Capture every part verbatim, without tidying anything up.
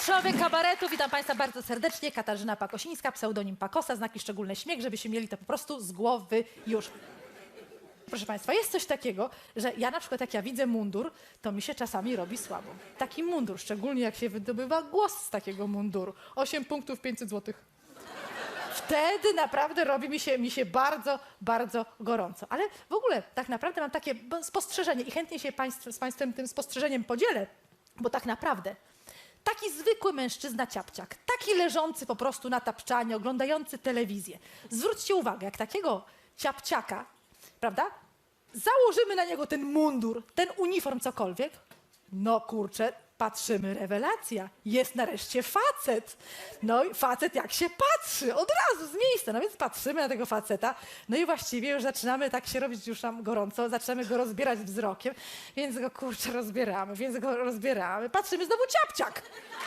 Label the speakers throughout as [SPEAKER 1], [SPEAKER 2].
[SPEAKER 1] Mistrzowie kabaretu, witam Państwa bardzo serdecznie. Katarzyna Pakosińska, pseudonim Pakosa, znaki szczególne śmiech, żebyście mieli to po prostu z głowy już. Proszę Państwa, jest coś takiego, że ja na przykład jak ja widzę mundur, to mi się czasami robi słabo. Taki mundur, szczególnie jak się wydobywa głos z takiego munduru. osiem punktów, pięćset złotych. Wtedy naprawdę robi mi się, mi się bardzo, bardzo gorąco. Ale w ogóle tak naprawdę mam takie spostrzeżenie i chętnie się państw, z Państwem tym spostrzeżeniem podzielę, bo tak naprawdę taki zwykły mężczyzna ciapciak, taki leżący po prostu na tapczanie, oglądający telewizję. Zwróćcie uwagę, jak takiego ciapciaka, prawda, założymy na niego ten mundur, ten uniform, cokolwiek, no kurczę, patrzymy, rewelacja, jest nareszcie facet. No i facet jak się patrzy, od razu z miejsca, no więc patrzymy na tego faceta, no i właściwie już zaczynamy tak się robić już nam gorąco, zaczynamy go rozbierać wzrokiem, więc go kurczę rozbieramy, więc go rozbieramy, patrzymy, znowu ciapciak.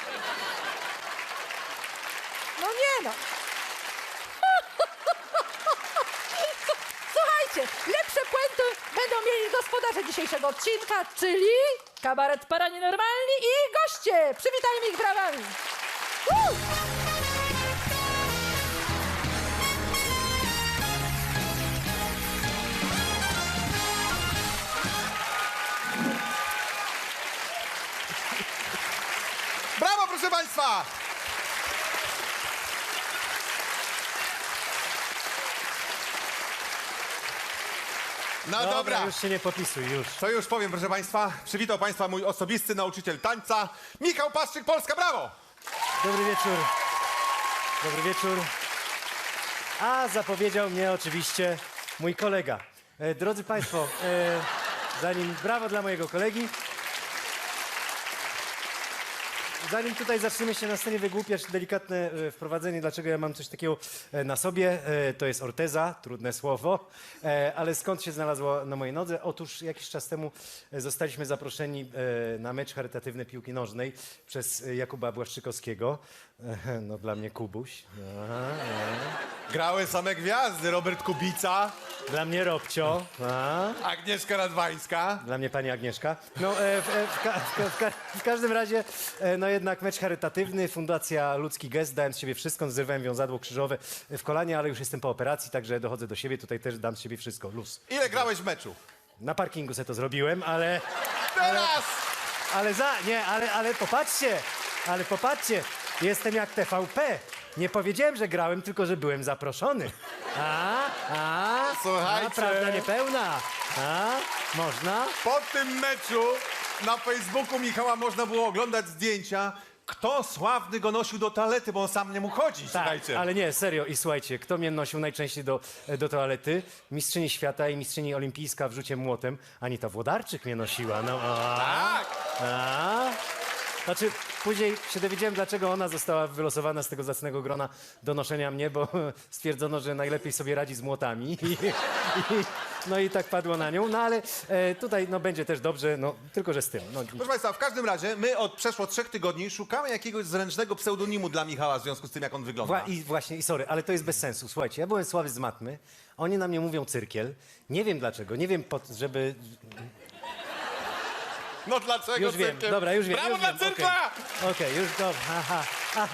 [SPEAKER 1] No nie no. Słuchajcie, lepsze puenty będą mieli gospodarze dzisiejszego odcinka, czyli kabaret Paranienormalni i goście. Przywitajmy ich brawami. Woo!
[SPEAKER 2] Brawo, proszę Państwa! No dobra,
[SPEAKER 3] Dobra, już się nie popisuj, już.
[SPEAKER 2] to już powiem, proszę Państwa. Przywitał Państwa mój osobisty nauczyciel tańca, Michał Paszczyk, Polska, brawo!
[SPEAKER 3] Dobry wieczór. Dobry wieczór. A zapowiedział mnie oczywiście mój kolega. E, drodzy Państwo, e, zanim brawo dla mojego kolegi. Zanim tutaj zaczniemy się na scenie wygłupiać, delikatne e, wprowadzenie, dlaczego ja mam coś takiego e, na sobie. E, to jest orteza, trudne słowo, e, ale skąd się znalazło na mojej nodze? Otóż jakiś czas temu e, zostaliśmy zaproszeni e, na mecz charytatywny piłki nożnej przez e, Jakuba Błaszczykowskiego. E, no dla mnie Kubuś. Aha, e.
[SPEAKER 2] Grały same gwiazdy, Robert Kubica,
[SPEAKER 3] Dla mnie Robcio. A.
[SPEAKER 2] Agnieszka Radwańska.
[SPEAKER 3] Dla mnie pani Agnieszka. No, e, w, e, w, ka, w, ka, w, ka, w każdym razie, e, no jednak mecz charytatywny, Fundacja Ludzki Gest, dałem z siebie wszystko, zrywałem wiązadło krzyżowe w kolanie, ale już jestem po operacji, także dochodzę do siebie, tutaj też dam z siebie wszystko, luz.
[SPEAKER 2] Ile grałeś w meczu?
[SPEAKER 3] Na parkingu se to zrobiłem, ale,
[SPEAKER 2] Teraz!
[SPEAKER 3] ale za, nie, ale, ale popatrzcie, ale popatrzcie, jestem jak T V P. Nie powiedziałem, że grałem, tylko że byłem zaproszony. A, a,
[SPEAKER 2] Słuchajcie.
[SPEAKER 3] a prawda niepełna. A, można?
[SPEAKER 2] Po tym meczu na Facebooku Michała można było oglądać zdjęcia, kto sławny go nosił do toalety, bo on sam nie mógł chodzić, słuchajcie.
[SPEAKER 3] Tak, ale nie, serio. I słuchajcie, kto mnie nosił najczęściej do, do toalety? Mistrzyni świata i mistrzyni olimpijska w rzucie młotem. Anita Włodarczyk mnie nosiła. No, a,
[SPEAKER 2] Tak!
[SPEAKER 3] a. Znaczy, później się dowiedziałem, dlaczego ona została wylosowana z tego zacnego grona do noszenia mnie, bo stwierdzono, że najlepiej sobie radzi z młotami. I, i, no i tak padło na nią. No ale e, tutaj no, będzie też dobrze, no tylko że z tym. No,
[SPEAKER 2] Proszę Państwa, w każdym razie my od przeszło trzech tygodni szukamy jakiegoś zręcznego pseudonimu dla Michała w związku z tym, jak on wygląda.
[SPEAKER 3] Wła- I właśnie, i sorry, ale to jest bez sensu. Słuchajcie, ja byłem słaby z matmy, oni na mnie mówią cyrkiel. Nie wiem dlaczego, nie wiem, po, żeby...
[SPEAKER 2] No dlaczego
[SPEAKER 3] Już wiem,
[SPEAKER 2] cyrkiem?
[SPEAKER 3] dobra, już wiem.
[SPEAKER 2] Brawo
[SPEAKER 3] już
[SPEAKER 2] dla
[SPEAKER 3] wiem.
[SPEAKER 2] cyrkla!
[SPEAKER 3] Okej, okay, już dobra. Aha.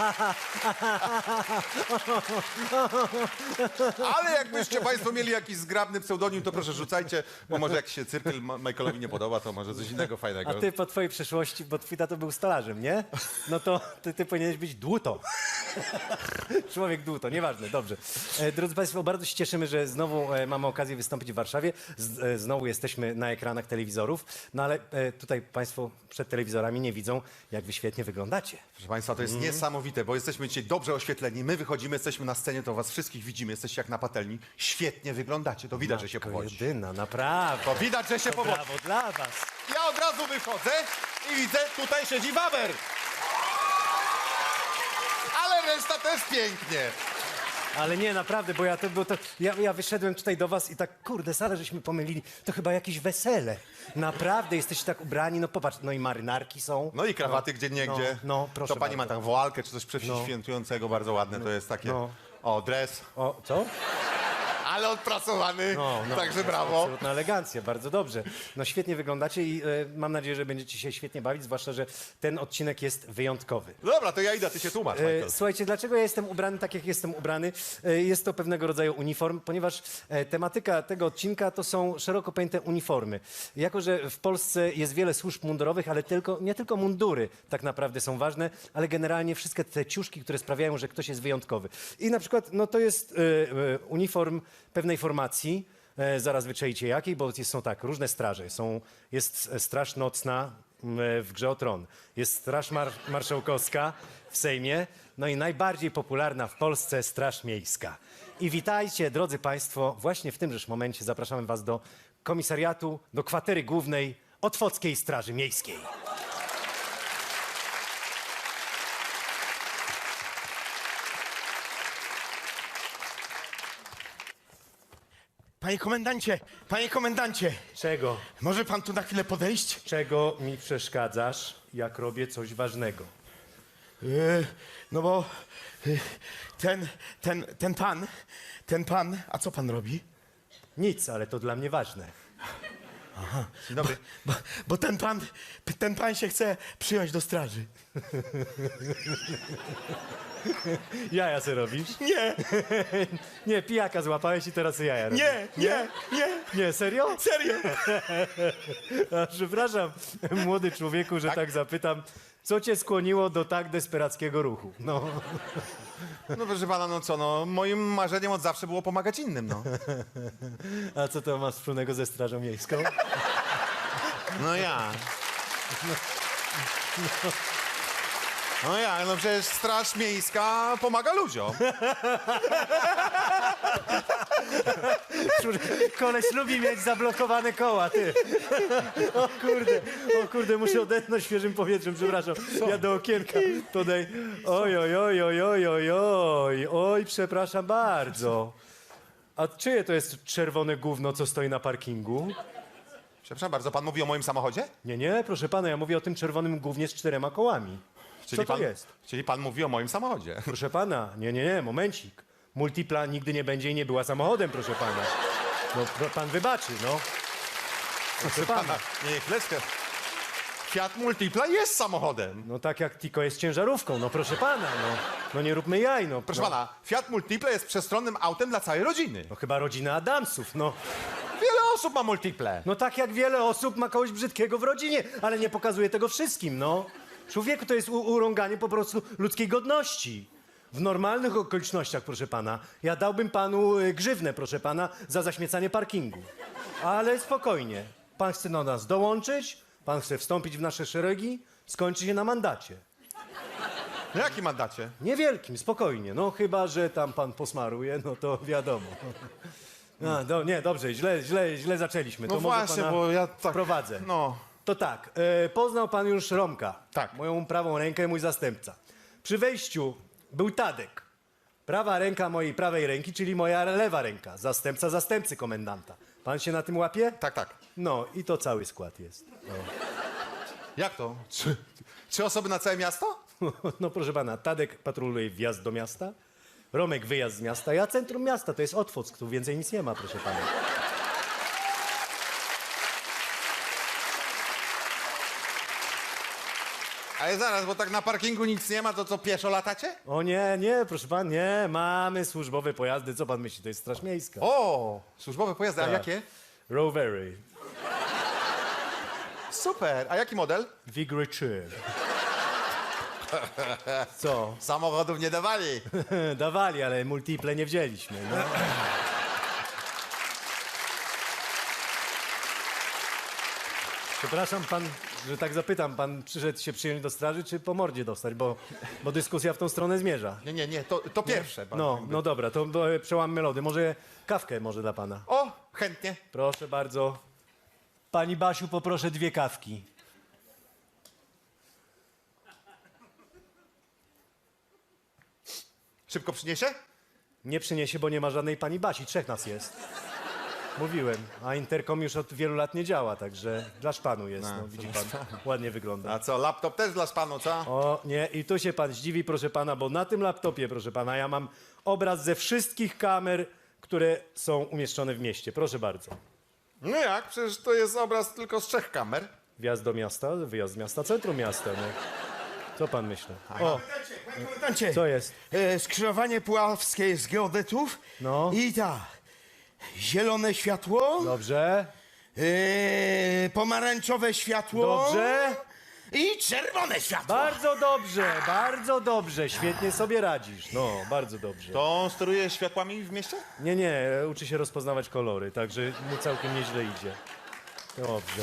[SPEAKER 2] Ale jakbyście Państwo mieli jakiś zgrabny pseudonim, to proszę rzucajcie, bo może jak się cyrkel Ma- Michaelowi nie podoba, to może coś innego fajnego.
[SPEAKER 3] A ty po twojej przeszłości, bo twój tato był stolarzem, nie? No to ty, ty powinieneś być dłuto. Człowiek dłuto, nieważne, dobrze. E, drodzy Państwo, bardzo się cieszymy, że znowu e, mamy okazję wystąpić w Warszawie. Z, e, znowu jesteśmy na ekranach telewizorów, no ale e, tutaj Państwo przed telewizorami nie widzą, jak wy świetnie wyglądacie.
[SPEAKER 2] Proszę Państwa, to jest
[SPEAKER 3] Mhm.
[SPEAKER 2] niesamowite, bo jesteśmy dzisiaj dobrze oświetleni. My wychodzimy, jesteśmy na scenie, to Was wszystkich widzimy, jesteście jak na patelni. Świetnie wyglądacie, to widać, że się
[SPEAKER 3] Matko
[SPEAKER 2] powodzi.
[SPEAKER 3] jedyna, naprawdę.
[SPEAKER 2] To widać, że się powodzi.
[SPEAKER 3] Brawo dla was.
[SPEAKER 2] Ja od razu wychodzę i widzę, tutaj siedzi waber. Ale reszta też pięknie.
[SPEAKER 3] Ale nie, naprawdę, bo ja to, bo to ja, ja wyszedłem tutaj do was i tak, kurde, salę żeśmy pomylili, to chyba jakieś wesele. Naprawdę, jesteście tak ubrani, no popatrz, no i marynarki są.
[SPEAKER 2] No i krawaty gdzie niegdzie.
[SPEAKER 3] No, no proszę
[SPEAKER 2] To pani ma
[SPEAKER 3] bardzo.
[SPEAKER 2] tam woalkę czy coś przeświętującego, bardzo ładne, to jest takie...
[SPEAKER 3] no.
[SPEAKER 2] O, dres.
[SPEAKER 3] O, co?
[SPEAKER 2] Ale odpracowany,
[SPEAKER 3] No, no,
[SPEAKER 2] także
[SPEAKER 3] jest
[SPEAKER 2] brawo.
[SPEAKER 3] Absolutna elegancja, bardzo dobrze. No świetnie wyglądacie i e, mam nadzieję, że będziecie się świetnie bawić, zwłaszcza, że ten odcinek jest wyjątkowy.
[SPEAKER 2] Dobra, to ja idę, ty się tłumacz, Michael.
[SPEAKER 3] E, słuchajcie, dlaczego ja jestem ubrany tak, jak jestem ubrany? E, jest to pewnego rodzaju uniform, ponieważ e, tematyka tego odcinka to są szeroko pojęte uniformy. Jako, że w Polsce jest wiele służb mundurowych, ale tylko, nie tylko mundury tak naprawdę są ważne, ale generalnie wszystkie te ciuszki, które sprawiają, że ktoś jest wyjątkowy. I na przykład, no to jest e, e, uniform pewnej formacji, e, zaraz wyczaicie jakiej, bo jest, są tak, różne straże. Są, jest straż nocna m, w Grze o Tron, jest straż mar marszałkowska w Sejmie, no i najbardziej popularna w Polsce straż miejska. I witajcie, drodzy państwo, właśnie w tymże momencie zapraszamy was do komisariatu, do kwatery głównej Otwockiej Straży Miejskiej.
[SPEAKER 4] Panie komendancie, panie komendancie,
[SPEAKER 3] Czego?
[SPEAKER 4] może pan tu na chwilę podejść?
[SPEAKER 3] Czego mi przeszkadzasz, jak robię coś ważnego?
[SPEAKER 4] Yy, no bo yy, ten, ten, ten pan, ten pan, a co pan robi?
[SPEAKER 3] Nic, ale to dla mnie ważne.
[SPEAKER 2] Dzień dobry.
[SPEAKER 4] Bo, bo ten pan, ten pan się chce przyjąć do straży.
[SPEAKER 3] Jaja se robisz?
[SPEAKER 4] Nie,
[SPEAKER 3] Nie, pijaka złapałeś i teraz jaja robisz.
[SPEAKER 4] nie, nie, nie,
[SPEAKER 3] Nie, serio?
[SPEAKER 4] serio.
[SPEAKER 3] A, przepraszam, młody człowieku, że tak? zapytam. Co cię skłoniło do tak desperackiego ruchu? No,
[SPEAKER 2] No proszę pana, no co, no moim marzeniem od zawsze było pomagać innym, no.
[SPEAKER 3] a co to ma wspólnego ze Strażą Miejską?
[SPEAKER 2] No ja. No ja, no przecież Straż Miejska pomaga ludziom.
[SPEAKER 3] Koleś lubi mieć zablokowane koła, ty. O kurde, o kurde, muszę odetchnąć świeżym powietrzem, przepraszam. Ja do okienka podaj. Oj, oj, oj, oj, oj, oj, oj, oj, przepraszam bardzo. A czyje to jest czerwone gówno, co stoi na parkingu?
[SPEAKER 2] Przepraszam bardzo, pan mówi o moim samochodzie?
[SPEAKER 3] Nie, nie, proszę pana, ja mówię o tym czerwonym gównie z czterema kołami. Co to
[SPEAKER 2] pan,
[SPEAKER 3] jest?
[SPEAKER 2] Czyli pan mówi o moim samochodzie.
[SPEAKER 3] Proszę pana, nie, nie, nie, momencik. Multipla nigdy nie będzie i nie była samochodem, proszę pana. No, pro- pan wybaczy, no. Proszę pana.
[SPEAKER 2] Nie, chwileczkę. Fiat Multipla jest samochodem.
[SPEAKER 3] No tak jak Tiko jest ciężarówką, no proszę pana, no. No nie róbmy jaj, no.
[SPEAKER 2] Proszę
[SPEAKER 3] no.
[SPEAKER 2] pana, Fiat Multipla jest przestronnym autem dla całej rodziny.
[SPEAKER 3] No chyba rodzina Adamsów, no.
[SPEAKER 2] Wiele osób ma Multiple.
[SPEAKER 3] No tak jak wiele osób ma kogoś brzydkiego w rodzinie, ale nie pokazuje tego wszystkim, no. Człowieku, to jest u- urąganie po prostu ludzkiej godności. W normalnych okolicznościach, proszę pana, ja dałbym panu y, grzywnę, proszę pana, za zaśmiecanie parkingu. Ale spokojnie. Pan chce do nas dołączyć, pan chce wstąpić w nasze szeregi, skończy się na mandacie.
[SPEAKER 2] No jaki mandacie?
[SPEAKER 3] Niewielkim, spokojnie. No chyba, że tam pan posmaruje, no to wiadomo. A, do, nie, dobrze, źle, źle, źle zaczęliśmy.
[SPEAKER 2] No
[SPEAKER 3] to może
[SPEAKER 2] właśnie,
[SPEAKER 3] pana
[SPEAKER 2] bo ja tak...
[SPEAKER 3] prowadzę.
[SPEAKER 2] No.
[SPEAKER 3] To tak, e, poznał pan już Romka.
[SPEAKER 2] Tak.
[SPEAKER 3] Moją prawą rękę, mój zastępca. Przy wejściu był Tadek. Prawa ręka mojej prawej ręki, czyli moja lewa ręka. Zastępca zastępcy komendanta. Pan się na tym łapie?
[SPEAKER 2] Tak, tak.
[SPEAKER 3] No i to cały skład jest.
[SPEAKER 2] Jak to? Trzy, trzy osoby na całe miasto?
[SPEAKER 3] No proszę pana, Tadek patroluje wjazd do miasta, Romek wyjazd z miasta, ja centrum miasta, to jest Otwock, tu więcej nic nie ma, proszę pana.
[SPEAKER 2] Ale zaraz, bo tak na parkingu nic nie ma, to co, pieszo latacie?
[SPEAKER 3] O nie, nie, proszę pan, nie, mamy służbowe pojazdy, co pan myśli, to jest Straż Miejska.
[SPEAKER 2] O, służbowe pojazdy, a
[SPEAKER 3] Tak.
[SPEAKER 2] jakie?
[SPEAKER 3] Rowery,
[SPEAKER 2] Super, a jaki model?
[SPEAKER 3] Vigry trzy. Co?
[SPEAKER 2] Samochodów nie dawali.
[SPEAKER 3] Dawali, ale multiple nie wzięliśmy. No. Przepraszam pan, że tak zapytam, pan przyszedł się przyjąć do straży, czy po mordzie dostać, bo, bo dyskusja w tą stronę zmierza.
[SPEAKER 2] Nie, nie, nie, to, to pierwsze. pan
[SPEAKER 3] No,
[SPEAKER 2] jakby.
[SPEAKER 3] no dobra, to e, przełammy lody. Może kawkę może dla pana.
[SPEAKER 2] O, chętnie.
[SPEAKER 3] Proszę bardzo. Pani Basiu, poproszę dwie kawki.
[SPEAKER 2] Szybko przyniesie?
[SPEAKER 3] Nie przyniesie, bo nie ma żadnej pani Basi. Trzech nas jest. Mówiłem. A interkom już od wielu lat nie działa, także dla szpanu jest. No, widzi pan, ładnie wygląda.
[SPEAKER 2] A co, laptop też dla panu, co?
[SPEAKER 3] O, nie, i tu się pan zdziwi, proszę pana, bo na tym laptopie, proszę pana, ja mam obraz ze wszystkich kamer które są umieszczone w mieście. Proszę bardzo.
[SPEAKER 2] No jak? Przecież to jest obraz tylko z trzech kamer.
[SPEAKER 3] Wjazd do miasta, wyjazd z miasta, centrum miasta. No. Co pan myśli? O,
[SPEAKER 4] Panie komendancie,
[SPEAKER 3] co jest?
[SPEAKER 4] e, skrzyżowanie puławskie z geodetów.
[SPEAKER 3] No.
[SPEAKER 4] I tak, zielone światło,
[SPEAKER 3] Dobrze,
[SPEAKER 4] e, pomarańczowe światło.
[SPEAKER 3] dobrze.
[SPEAKER 4] I czerwone światło.
[SPEAKER 3] Bardzo dobrze, bardzo dobrze. Świetnie sobie radzisz. No, bardzo dobrze.
[SPEAKER 2] To on steruje światłami w mieście?
[SPEAKER 3] Nie, nie, uczy się rozpoznawać kolory, także mu całkiem nieźle idzie. Dobrze.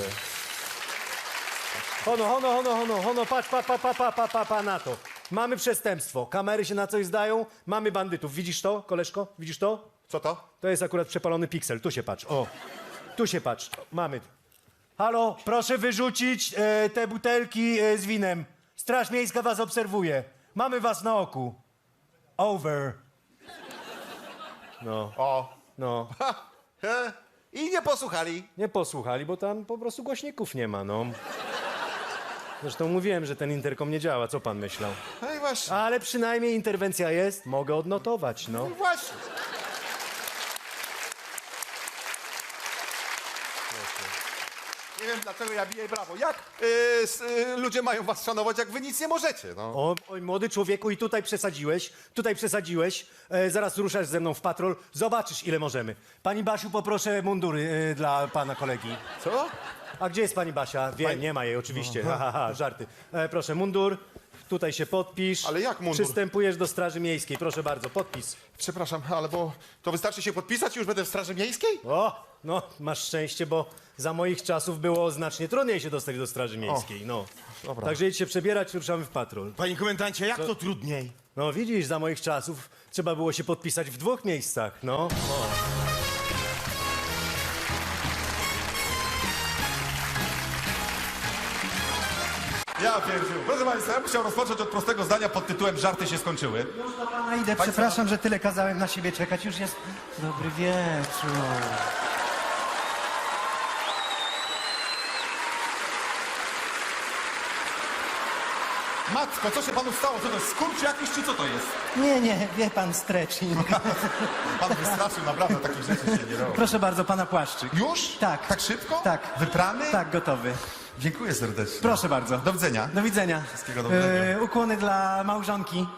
[SPEAKER 3] Hono, hono, hono, hono, hono, patrz, pa, pa, pa, pa, pa, pa, pa na to. Mamy przestępstwo, kamery się na coś zdają, mamy bandytów. Widzisz to, koleżko? Widzisz to?
[SPEAKER 2] Co to?
[SPEAKER 3] To jest akurat przepalony piksel, tu się patrz, o. Tu się patrz, mamy. Halo, proszę wyrzucić e, te butelki e, z winem. Straż Miejska was obserwuje. Mamy was na oku. Over. No,
[SPEAKER 2] O.
[SPEAKER 3] no.
[SPEAKER 2] Ha. He. I nie posłuchali.
[SPEAKER 3] Nie posłuchali, bo tam po prostu głośników nie ma, no. Zresztą mówiłem, że ten interkom nie działa, co pan myślał?
[SPEAKER 2] No i właśnie.
[SPEAKER 3] Ale przynajmniej interwencja jest, mogę odnotować, no.
[SPEAKER 2] No właśnie. Nie wiem, dlaczego ja biję brawo. Jak y, s, y, ludzie mają was szanować, jak wy nic nie możecie, no.
[SPEAKER 3] O, oj, młody człowieku, i tutaj przesadziłeś, tutaj przesadziłeś. E, zaraz ruszasz ze mną w patrol, zobaczysz, ile możemy. Pani Basiu, poproszę mundury e, dla pana kolegi.
[SPEAKER 2] Co?
[SPEAKER 3] A gdzie jest pani Basia? Wiem, nie ma jej oczywiście. Ha, ha, ha, żarty. E, proszę, mundur. Tutaj się podpisz.
[SPEAKER 2] Ale jak mundur?
[SPEAKER 3] Przystępujesz do Straży Miejskiej. Proszę bardzo, podpis.
[SPEAKER 2] Przepraszam, ale bo to wystarczy się podpisać i już będę w Straży Miejskiej?
[SPEAKER 3] O, no, masz szczęście, bo za moich czasów było znacznie trudniej się dostać do Straży Miejskiej, no.
[SPEAKER 2] dobra.
[SPEAKER 3] Także idź się przebierać, ruszamy w patrol.
[SPEAKER 4] Panie komendancie, jak to trudniej?
[SPEAKER 3] No widzisz, za moich czasów trzeba było się podpisać w dwóch miejscach, no.
[SPEAKER 2] Ja pierdziu. Proszę Państwa, ja bym chciał rozpocząć od prostego zdania pod tytułem Żarty się skończyły.
[SPEAKER 5] Już do pana idę, przepraszam, że tyle kazałem na siebie czekać. Już jest dobry wieczór.
[SPEAKER 2] Matko, co się panu stało? Co to jest skurcz jakiś, czy co to jest?
[SPEAKER 5] Nie, nie, wie pan, stretching.
[SPEAKER 2] Pan wystraszył, naprawdę takich rzeczy się nie robi.
[SPEAKER 5] Proszę bardzo, pana płaszczyk.
[SPEAKER 2] Już?
[SPEAKER 5] Tak.
[SPEAKER 2] Tak szybko?
[SPEAKER 5] Tak.
[SPEAKER 2] Wyprany?
[SPEAKER 5] Tak, gotowy.
[SPEAKER 2] Dziękuję serdecznie.
[SPEAKER 5] Proszę bardzo.
[SPEAKER 2] Do widzenia.
[SPEAKER 5] Do widzenia.
[SPEAKER 2] Wszystkiego dobrego.
[SPEAKER 5] E, ukłony dla małżonki.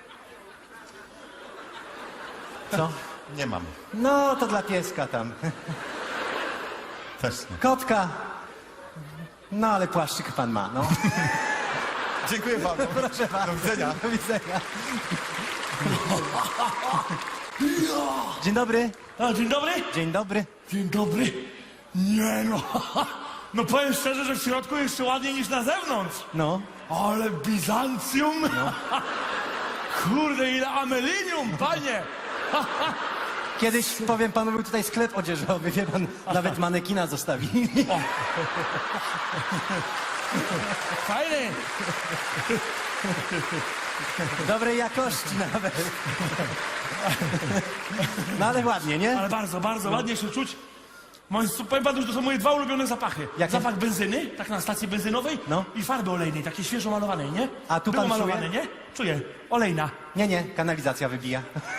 [SPEAKER 5] Co?
[SPEAKER 2] Nie mam.
[SPEAKER 5] No, to dla pieska tam.
[SPEAKER 2] Też nie.
[SPEAKER 5] Kotka. No, ale płaszczyk pan ma, no.
[SPEAKER 2] Dziękuję panu.
[SPEAKER 5] Proszę bardzo.
[SPEAKER 2] Do widzenia.
[SPEAKER 5] Do widzenia. Dzień dobry.
[SPEAKER 6] A, dzień dobry.
[SPEAKER 5] Dzień dobry.
[SPEAKER 6] Dzień dobry. Nie no. No powiem szczerze, że w środku jeszcze ładniej niż na zewnątrz.
[SPEAKER 5] No.
[SPEAKER 6] Ale Bizancjum. Kurde, ile amelinium, panie.
[SPEAKER 5] Kiedyś, powiem panu, był tutaj sklep odzieżowy, wie pan, nawet manekina zostawili.
[SPEAKER 6] Fajny.
[SPEAKER 5] Dobrej jakości nawet. No ale ładnie, nie?
[SPEAKER 6] Ale bardzo, bardzo ładnie się czuć. Moje, powiem panu, że to są moje dwa ulubione zapachy.
[SPEAKER 5] Jakie?
[SPEAKER 6] Zapach benzyny, tak na stacji benzynowej,
[SPEAKER 5] No.
[SPEAKER 6] i farby olejnej, takiej świeżo malowanej, nie?
[SPEAKER 5] A tu
[SPEAKER 6] Było
[SPEAKER 5] pan czuje?
[SPEAKER 6] malowane, nie? Czuję. Olejna.
[SPEAKER 5] Nie, nie, kanalizacja wybija.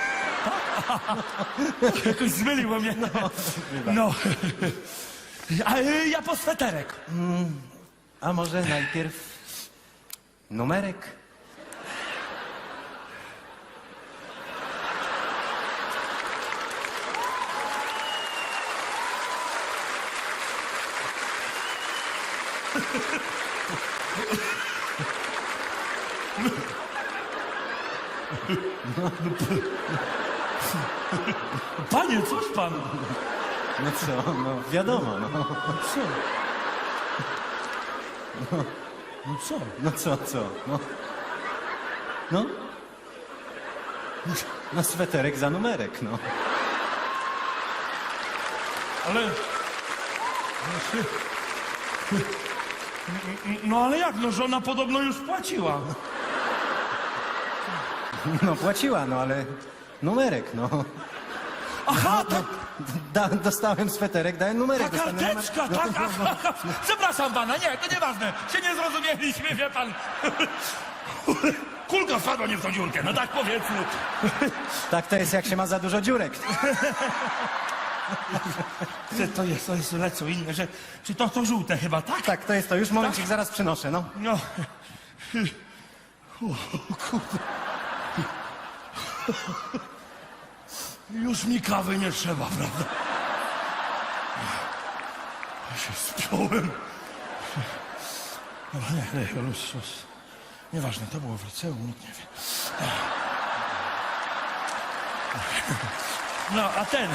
[SPEAKER 6] Jakoś zmyliło mnie. No. A y, ja po sweterek.
[SPEAKER 5] A może najpierw numerek?
[SPEAKER 6] Panie, cóż pan?
[SPEAKER 5] No co, no wiadomo, no.
[SPEAKER 6] Co? No co?
[SPEAKER 5] No co, co, no. No? No sweterek za numerek, no.
[SPEAKER 6] Ale... No ale jak? No żona podobno już płaciła.
[SPEAKER 5] No płaciła, no ale numerek, no.
[SPEAKER 6] Aha, ta,
[SPEAKER 5] Da, dostałem sweterek, dałem numerek.
[SPEAKER 6] ta
[SPEAKER 5] dostanę numer-
[SPEAKER 6] karteczka, tak? Aha, przepraszam pana, nie, to nieważne. Się nie zrozumieliśmy, wie pan. kulka wpadła nie w tą dziurkę, no tak powiedzmy.
[SPEAKER 5] Tak to jest, jak się ma za dużo dziurek.
[SPEAKER 6] Czy to jest, to jest lecą inne, że, czy to to żółte chyba, tak?
[SPEAKER 5] Tak, to jest to. Już momencik, zaraz przynoszę, no.
[SPEAKER 6] No. O, kurde. Już mi kawy nie trzeba, prawda? Ja się spiąłem. Dobra, nie, nie, luz, luz. Nieważne, to było w liceum, nikt nie wie. No, a ten...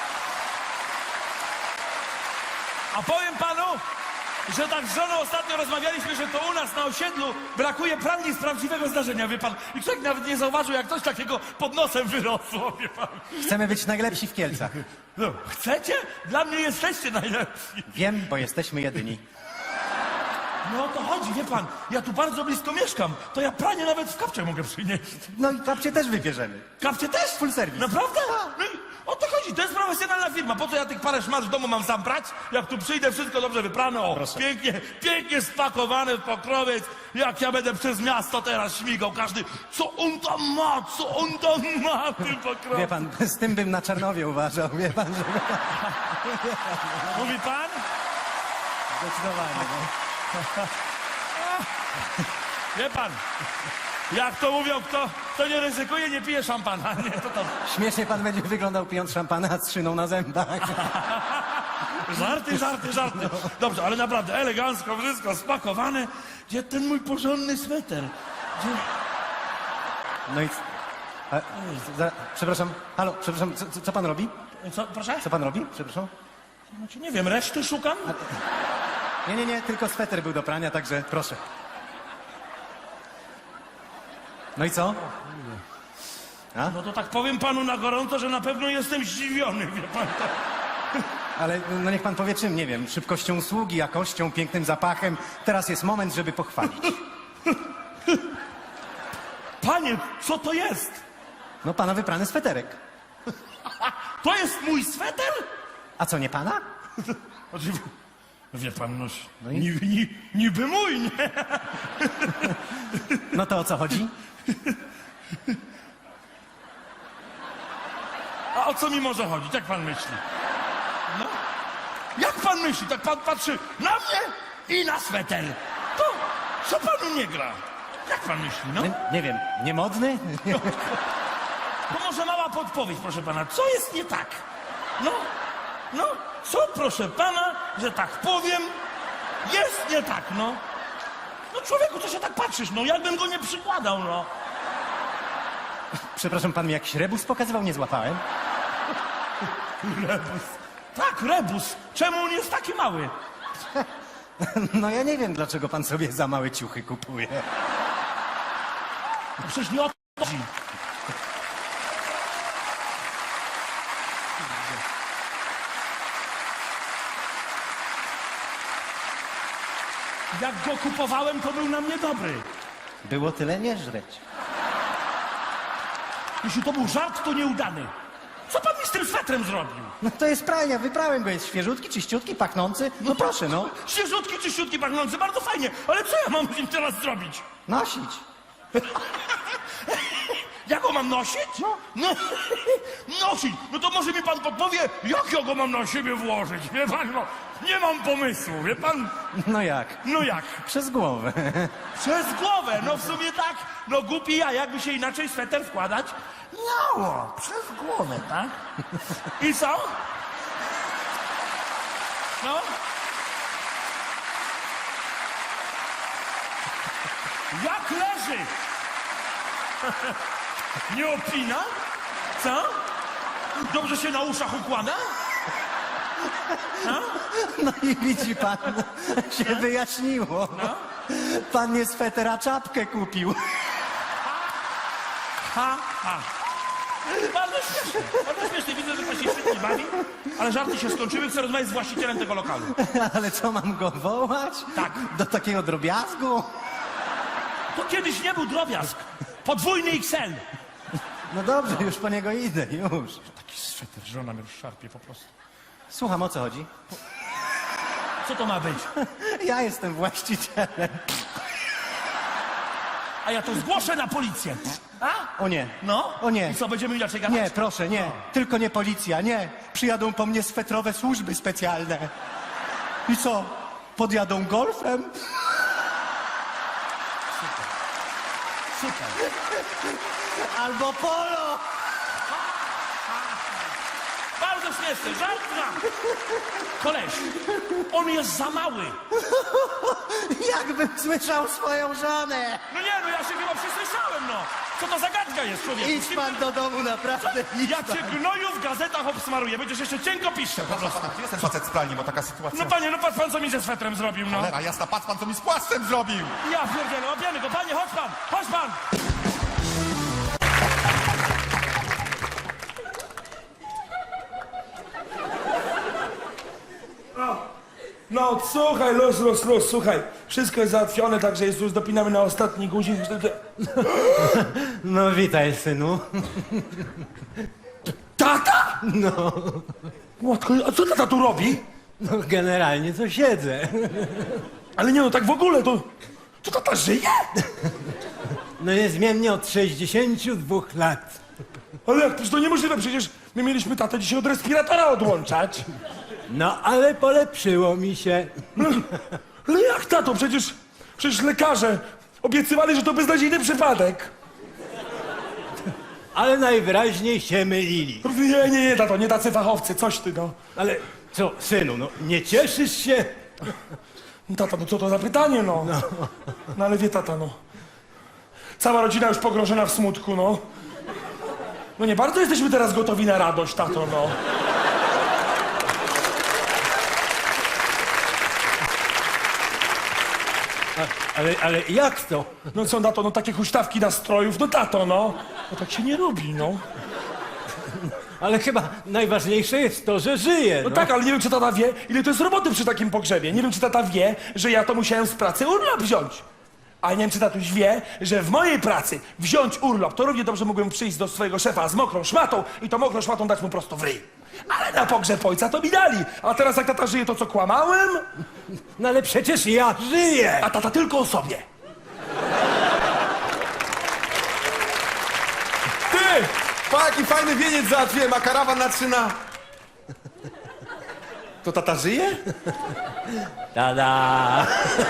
[SPEAKER 6] A powiem panu, że tak z żoną ostatnio rozmawialiśmy, że to u nas na osiedlu brakuje pralni z prawdziwego zdarzenia, wie pan. I człowiek nawet nie zauważył, jak coś takiego pod nosem wyrosło, wie pan.
[SPEAKER 5] Chcemy być najlepsi w Kielcach.
[SPEAKER 6] No, chcecie? Dla mnie jesteście najlepsi.
[SPEAKER 5] Wiem, bo jesteśmy jedyni.
[SPEAKER 6] No o to chodzi, wie pan. Ja tu bardzo blisko mieszkam. To ja pranie nawet w kapcie mogę przynieść.
[SPEAKER 5] No i kapcie też wybierzemy.
[SPEAKER 6] Kapcie też?
[SPEAKER 5] Full service.
[SPEAKER 6] Naprawdę? No i o to chodzi, to jest profesjonalna firma. Po co ja tych parę szmat w domu mam sam prać? Jak tu przyjdę, wszystko dobrze wyprane, o,
[SPEAKER 5] Proszę.
[SPEAKER 6] pięknie, pięknie spakowane w pokrowiec. Jak ja będę przez miasto teraz śmigał, każdy, co on tam ma, co on tam ma w tym pokrowiec.
[SPEAKER 5] Wie pan, z tym bym na Czarnowie uważał, wie pan, że...
[SPEAKER 6] Mówi pan?
[SPEAKER 5] Zdecydowanie, no.
[SPEAKER 6] Wie pan, jak to mówią, kto, kto nie ryzykuje, nie pije szampana. Nie, to to...
[SPEAKER 5] Śmiesznie pan będzie wyglądał pijąc szampana z szyną na zębach.
[SPEAKER 6] Żarty, żarty, żarty. Dobrze, ale naprawdę elegancko, wszystko spakowane. Gdzie ten mój porządny sweter? Gdzie...
[SPEAKER 5] No i... A, za, przepraszam, halo, przepraszam, co, co- co pan robi?
[SPEAKER 6] Co, proszę?
[SPEAKER 5] Co pan robi? Przepraszam?
[SPEAKER 6] Znaczy, nie wiem, reszty szukam?
[SPEAKER 5] Nie, nie, nie, tylko sweter był do prania, także proszę. No i co?
[SPEAKER 6] No to tak powiem panu na gorąco, że na pewno jestem zdziwiony, wie pan. To...
[SPEAKER 5] Ale no niech pan powie czym, nie wiem, szybkością usługi, jakością, pięknym zapachem. Teraz jest moment, żeby pochwalić.
[SPEAKER 6] Panie, co to jest?
[SPEAKER 5] No pana wyprany sweterek.
[SPEAKER 6] To jest mój sweter?
[SPEAKER 5] A co, nie pana?
[SPEAKER 6] Znaczy, wie pan, no,
[SPEAKER 5] No i-
[SPEAKER 6] niby, ni, niby mój, nie?
[SPEAKER 5] No to o co chodzi?
[SPEAKER 6] A o co mi może chodzić? Jak pan myśli? No? Jak pan myśli? Tak pan patrzy na mnie i na sweter. To co panu nie gra? Jak pan myśli, no?
[SPEAKER 5] Nie, nie wiem, niemodny?
[SPEAKER 6] To może mała podpowiedź, proszę pana. Co jest nie tak? No, no, co, proszę pana, że tak powiem, jest nie tak, no. No człowieku, co się tak patrzysz, no, jakbym go nie przykładał, no.
[SPEAKER 5] Przepraszam, pan mi jakiś rebus pokazywał, nie złapałem.
[SPEAKER 6] Rebus. Tak, rebus. Czemu on jest taki mały?
[SPEAKER 5] No ja nie wiem, dlaczego pan sobie za małe ciuchy kupuje.
[SPEAKER 6] No przecież nie o to chodzi. Jak go kupowałem, to był na mnie dobry.
[SPEAKER 5] Było tyle nie żreć.
[SPEAKER 6] Jeśli to był żart, to nieudany. Co pan mi z tym swetrem zrobił?
[SPEAKER 5] No to jest pralnia, wyprałem go, jest świeżutki, czyściutki, pachnący. No proszę, no,
[SPEAKER 6] Świeżutki, czyściutki, pachnący, bardzo fajnie. Ale co ja mam z nim teraz zrobić?
[SPEAKER 5] nosić.
[SPEAKER 6] Ja go mam nosić? No. no. Nosić. No to może mi pan podpowie, jak ja go mam na siebie włożyć? Wie pan, no, nie mam pomysłu, wie pan?
[SPEAKER 5] No jak?
[SPEAKER 6] No jak?
[SPEAKER 5] Przez głowę.
[SPEAKER 6] Przez głowę, no w sumie tak. No głupi ja, jakby się inaczej sweter wkładać? Miało, przez głowę, tak? I co? No? Jak leży? Nie opina? Co? Dobrze się na uszach układa?
[SPEAKER 5] No i widzi pan, się wyjaśniło. Pan nie swetera, czapkę kupił.
[SPEAKER 6] Ha, ha. Bardzo śmieszne, bardzo śmieszne. Widzę, że pan się świetnie bawi, ale żarty się skończyły. Chcę rozmawiać z właścicielem tego lokalu.
[SPEAKER 5] Ale co, mam go wołać?
[SPEAKER 6] Tak.
[SPEAKER 5] Do takiego drobiazgu?
[SPEAKER 6] To kiedyś nie był drobiazg. Podwójny X L.
[SPEAKER 5] No dobrze, już po niego idę, już.
[SPEAKER 6] Taki sweter, żona mnie szarpie po prostu.
[SPEAKER 5] Słucham, o co chodzi?
[SPEAKER 6] Co to ma być?
[SPEAKER 5] Ja jestem właścicielem.
[SPEAKER 6] A A ja to zgłoszę na policję. A?
[SPEAKER 5] O nie.
[SPEAKER 6] No?
[SPEAKER 5] O nie.
[SPEAKER 6] I co, będziemy inaczej gadać?
[SPEAKER 5] Nie, proszę, nie. Tylko nie policja, nie. Przyjadą po mnie swetrowe służby specjalne. I co? Podjadą golfem?
[SPEAKER 6] Super.
[SPEAKER 5] Albo polo!
[SPEAKER 6] Bardzo śmieszny, żart znam. Koleś, on jest za mały.
[SPEAKER 5] Jakbym słyszał swoją żonę!
[SPEAKER 6] No nie, no ja się chyba przesłyszałem, no. Co to za gadka jest, człowieku?
[SPEAKER 5] Idź pan do domu, naprawdę. Idź
[SPEAKER 6] Ja
[SPEAKER 5] pan.
[SPEAKER 6] cię gnoju w gazetach obsmaruję, będziesz jeszcze cienko piszczał po prostu.
[SPEAKER 2] Gdzie jest ten facet z pralni, bo taka sytuacja...
[SPEAKER 6] No panie, no patrz pan, co mi ze swetrem zrobił, no.
[SPEAKER 2] Cholera jasna, patrz pan, co mi z płaszczem zrobił!
[SPEAKER 6] Ja pierdzielę, łapiemy go, panie, chodź pan, chodź pan. No, słuchaj, luz, luz, luz, słuchaj. Wszystko jest załatwione, także jest już dopinamy na ostatni guzik.
[SPEAKER 5] No witaj, synu.
[SPEAKER 6] Tata?
[SPEAKER 5] No,
[SPEAKER 6] Matko, a co tata tu robi?
[SPEAKER 5] no generalnie to siedzę.
[SPEAKER 6] Ale nie no, tak w ogóle, to... To tata żyje?
[SPEAKER 5] No niezmiennie od sześćdziesięciu dwóch lat.
[SPEAKER 6] Ale jak, przecież to niemożliwe, przecież my mieliśmy tatę dzisiaj od respiratora odłączać.
[SPEAKER 5] No ale polepszyło mi się.
[SPEAKER 6] Ale jak tato, przecież... Przecież lekarze obiecywali, że to beznadziejny przypadek.
[SPEAKER 5] Ale najwyraźniej się mylili.
[SPEAKER 6] Nie, nie, nie, tato, nie tacy fachowcy, coś ty, no.
[SPEAKER 5] Ale co, synu, no nie cieszysz się?
[SPEAKER 6] No, tata, no co to za pytanie, no. No ale wie tata, no. Cała rodzina już pogrążona w smutku, no. No nie bardzo jesteśmy teraz gotowi na radość, tato, no.
[SPEAKER 5] Ale, ale jak to?
[SPEAKER 6] No co, tato, no takie huśtawki nastrojów, no tato, no. No tak się nie robi, no.
[SPEAKER 5] Ale chyba najważniejsze jest to, że żyje.
[SPEAKER 6] No tak, ale nie wiem, czy tata wie, ile to jest roboty przy takim pogrzebie. Nie wiem, czy tata wie, że ja to musiałem z pracy urlop wziąć. A nie wiem, czy tatuś wie, że w mojej pracy wziąć urlop, to równie dobrze mógłbym przyjść do swojego szefa z mokrą szmatą i to mokrą szmatą dać mu prosto w ryj. Ale na pogrzeb ojca to mi dali. A teraz jak tata żyje, to co, kłamałem?
[SPEAKER 5] No ale przecież ja żyję.
[SPEAKER 6] A tata tylko o sobie.
[SPEAKER 2] Ty! Pa, jaki fajny wieniec załatwiłem, a karawan na trzyna. To tata żyje?
[SPEAKER 5] Tada!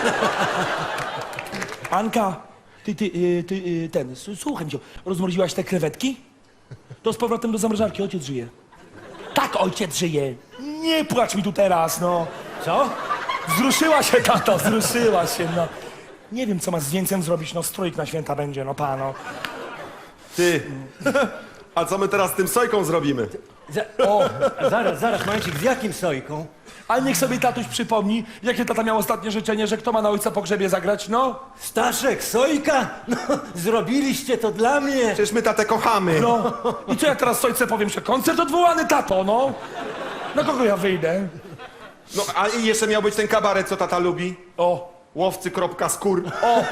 [SPEAKER 6] Anka, ty, ty, y, ty, y, ten, s- słuchaj mnie, rozmroziłaś te krewetki? To z powrotem do zamrażarki, ojciec żyje. Tak, ojciec żyje. Nie płacz mi tu teraz, no.
[SPEAKER 5] Co?
[SPEAKER 6] Wzruszyła się, tato, wzruszyła się, no. Nie wiem, co ma z wieńcem zrobić, no strójk na święta będzie, no pano.
[SPEAKER 2] Ty, a co my teraz z tym sojką zrobimy?
[SPEAKER 5] Za, o, zaraz, zaraz, momencik, z jakim sojką?
[SPEAKER 6] Ale niech sobie tatuś przypomni, jakie tata miał ostatnie życzenie, że kto ma na ojca pogrzebie zagrać, no.
[SPEAKER 5] Staszek, sojka? No, zrobiliście to dla mnie.
[SPEAKER 2] Przecież my tatę kochamy.
[SPEAKER 6] No. I co ja teraz sojce powiem, że koncert odwołany, tato, no. Na kogo ja wyjdę?
[SPEAKER 2] No, a i jeszcze miał być ten kabaret, co tata lubi.
[SPEAKER 6] O.
[SPEAKER 2] Łowcy, kropka, skór.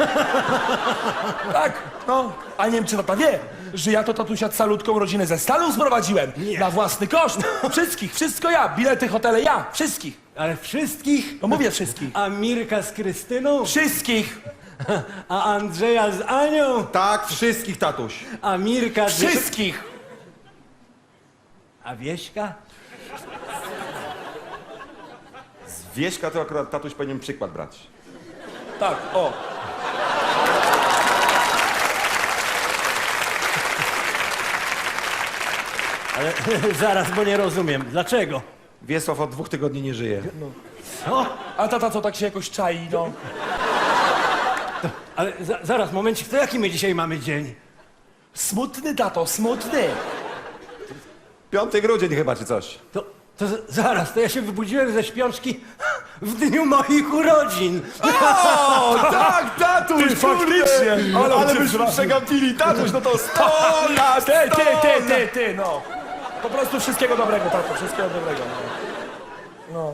[SPEAKER 6] Tak, no. A nie wiem, czy tata wie, że ja to tatusia calutką rodzinę ze Stanów sprowadziłem.
[SPEAKER 5] Nie.
[SPEAKER 6] Na własny koszt. Wszystkich, wszystko ja. Bilety, hotele ja. Wszystkich.
[SPEAKER 5] Ale wszystkich?
[SPEAKER 6] No mówię wszystkich.
[SPEAKER 5] A Mirka z Krystyną?
[SPEAKER 6] Wszystkich.
[SPEAKER 5] A Andrzeja z Anią?
[SPEAKER 2] Tak, wszystkich, tatuś.
[SPEAKER 5] A Mirka z...
[SPEAKER 6] Wszystkich.
[SPEAKER 5] A Wieśka?
[SPEAKER 2] Z Wieśka to akurat tatuś powinien przykład brać.
[SPEAKER 6] Tak, o.
[SPEAKER 5] Ale zaraz, bo nie rozumiem. Dlaczego?
[SPEAKER 2] Wiesław od dwóch tygodni nie żyje.
[SPEAKER 5] Co?
[SPEAKER 6] A tata co tak się jakoś czai, no.
[SPEAKER 5] Ale za, zaraz, momencik, to jaki my dzisiaj mamy dzień?
[SPEAKER 6] Smutny, tato, smutny.
[SPEAKER 2] piąty grudzień chyba, czy coś.
[SPEAKER 5] To, to z- zaraz, to ja się wybudziłem ze śpiączki w dniu moich urodzin.
[SPEAKER 2] O, tak, tatuś,
[SPEAKER 6] Ty, faktycznie. Ale
[SPEAKER 2] Ale
[SPEAKER 6] cię
[SPEAKER 2] byśmy
[SPEAKER 6] zra-
[SPEAKER 2] przegapili, tatuś, no to sto lat,
[SPEAKER 6] Ty, ty,
[SPEAKER 2] sto
[SPEAKER 6] ty,
[SPEAKER 2] lat.
[SPEAKER 6] ty, ty, no. Po prostu wszystkiego dobrego, tato, wszystkiego dobrego. No.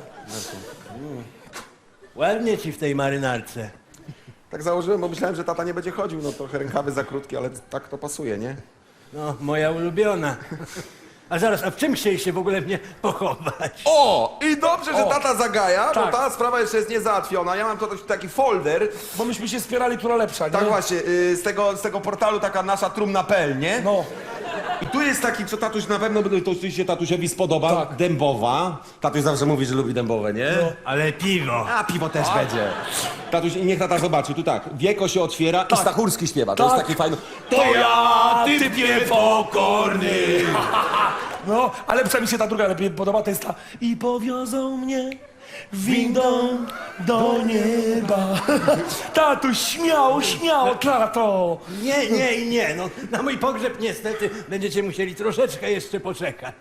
[SPEAKER 5] Ładnie ci w tej marynarce.
[SPEAKER 2] Tak założyłem, bo myślałem, że tata nie będzie chodził, no trochę rękawy za krótkie, ale tak to pasuje, nie?
[SPEAKER 5] No, moja ulubiona. A zaraz, a w czym chcieliście w ogóle mnie pochować?
[SPEAKER 7] O! I dobrze, że
[SPEAKER 6] O.
[SPEAKER 7] tata zagaja, bo
[SPEAKER 6] Tak.
[SPEAKER 7] ta sprawa jeszcze jest niezałatwiona. Ja mam tutaj taki folder.
[SPEAKER 6] Bo myśmy się spierali, która lepsza, nie?
[SPEAKER 7] Tak właśnie, y, z tego, z tego portalu taka nasza trumna kropka pe el, nie?
[SPEAKER 6] No.
[SPEAKER 7] I tu jest taki, co tatuś na pewno to się tatusiowi spodoba.
[SPEAKER 6] Tak.
[SPEAKER 7] Dębowa. Tatuś zawsze mówi, że lubi dębowe, nie?
[SPEAKER 5] Ale piwo.
[SPEAKER 7] A piwo też będzie. Tatuś, niech tata zobaczy, tu tak. Wieko się otwiera i Stachurski śpiewa. To
[SPEAKER 6] Tak.
[SPEAKER 7] jest taki fajny. To ja, typie pokorny.
[SPEAKER 6] No, ale lepsza mi się ta druga lepiej podoba, to jest ta i powiozą mnie windą do nieba. Tatuś, śmiało, śmiało, tato.
[SPEAKER 5] Nie, nie i nie. No, na mój pogrzeb niestety będziecie musieli troszeczkę jeszcze poczekać.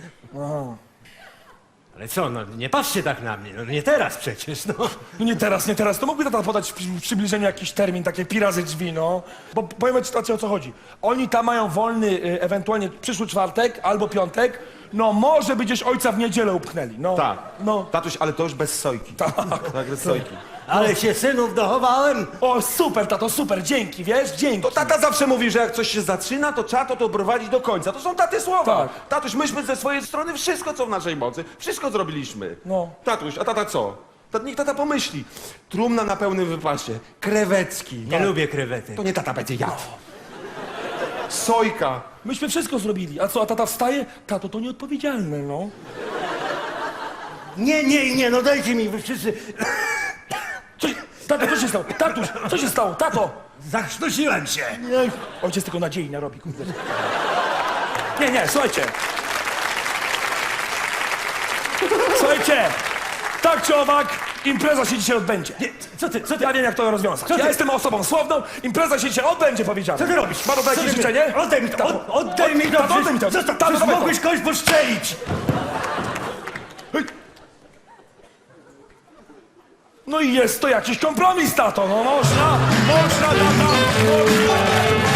[SPEAKER 5] Ale co, no nie patrzcie tak na mnie. No nie teraz przecież, no.
[SPEAKER 6] No nie teraz, nie teraz. To mógłby tata podać w przy- w przybliżeniu jakiś termin, takie pirazy drzwi, no. Bo powiem ci tacy, o co chodzi. Oni tam mają wolny y, ewentualnie przyszły czwartek albo piątek. No może by gdzieś ojca w niedzielę upchnęli, no.
[SPEAKER 7] Tak.
[SPEAKER 6] No.
[SPEAKER 7] Tatuś, ale to już bez sojki. Tak. Tak, bez sojki.
[SPEAKER 5] Ale się synów dochowałem.
[SPEAKER 6] O, super, tato, super, dzięki, wiesz, dzięki.
[SPEAKER 7] To tata zawsze mówi, że jak coś się zaczyna, to trzeba to doprowadzić do końca. To są taty słowa.
[SPEAKER 6] Tak.
[SPEAKER 7] Tatuś, myśmy ze swojej strony wszystko, co w naszej mocy, wszystko zrobiliśmy.
[SPEAKER 6] No.
[SPEAKER 7] Tatuś, a tata co? Tata, niech tata pomyśli. Trumna na pełnym wypasie. Krewecki.
[SPEAKER 5] Nie lubię krewetek.
[SPEAKER 7] To nie tata będzie jadł. Sojka.
[SPEAKER 6] Myśmy wszystko zrobili. A co, a tata wstaje? Tato, to nieodpowiedzialne, no.
[SPEAKER 5] Nie, nie i nie, no dajcie mi wy wszyscy.
[SPEAKER 6] Co, tato, co się stało? Tatuś, co się stało? Tato!
[SPEAKER 5] Zachrztusiłem się.
[SPEAKER 6] Nie, ojciec tylko nadziei narobi, kurde. Nie, nie, słuchajcie. Słuchajcie, tak czy owak, impreza się dzisiaj odbędzie.
[SPEAKER 5] Nie, co ty, co ty?
[SPEAKER 6] Ja wiem, jak to rozwiązać.
[SPEAKER 5] Co
[SPEAKER 6] Ja
[SPEAKER 5] ty?
[SPEAKER 6] jestem osobą słowną, impreza się dzisiaj odbędzie, powiedziane.
[SPEAKER 5] Co ty robisz?
[SPEAKER 6] Ma to
[SPEAKER 5] Co
[SPEAKER 6] jakieś
[SPEAKER 5] ty-
[SPEAKER 6] życzenie?
[SPEAKER 5] Oddaj mi to, od, oddaj mi to.
[SPEAKER 6] Tato, oddaj mi to.
[SPEAKER 5] Zostaw,
[SPEAKER 6] Tato,
[SPEAKER 5] przecież
[SPEAKER 6] dawaj to.
[SPEAKER 5] mogłeś kogoś postrzelić.
[SPEAKER 6] No i jest to jakiś kompromis, tato, no można, można, tata, można.